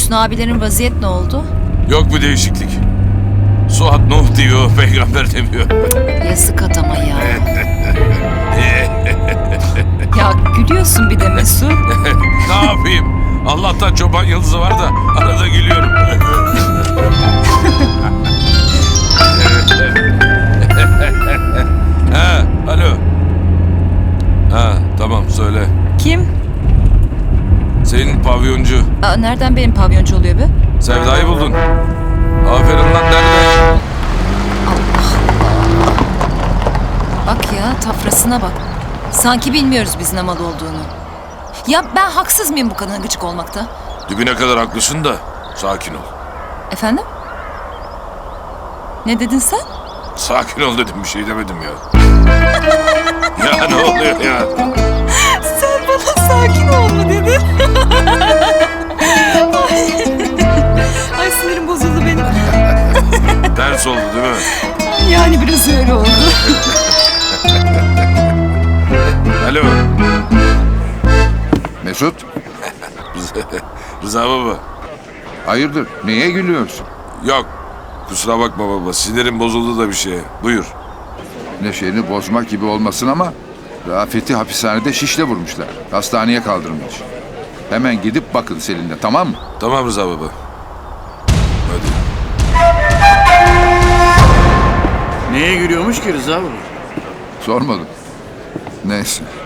Hüsnü abilerin vaziyet ne oldu? Yok bir değişiklik. Suat Nuh diyor, peygamber demiyor. Yazık adama ya. Ya gülüyorsun bir de Mesut. Ne yapayım? Allah'tan çoban yıldızı var da arada gülüyorum. Ha, alo. Ha, tamam söyle. Kim? Senin pavyoncu. Aa, nereden benim pavyoncu oluyor be? Sevda'yı buldun. Aferin lan, nerede? Bak ya, tafrasına bak. Sanki bilmiyoruz biz ne mal olduğunu. Ya ben haksız mıyım bu kadına gıcık olmakta? Dibine kadar haklısın da sakin ol. Efendim? Ne dedin sen? Sakin ol dedim, bir şey demedim ya. Ya ne oluyor ya? Sen bana sakin ol mu dedin? Ay sinirim bozuldu benim. Ters oldu değil mi? Yani biraz öyle oldu. Alo. Mesut, Rıza baba. hayırdır? Neye gülüyorsun? Yok. Kusura bakma baba. Sinirim bozuldu da bir şeye. Buyur. Neşeni bozmak gibi olmasın ama Rafet'i hapishanede şişle vurmuşlar. Hastaneye kaldırılmış. Hemen gidip bakın Selin'le, tamam mı? Tamam Rıza baba. Hadi. Neye gülüyormuş ki Rıza baba? Sormadım. Neyse.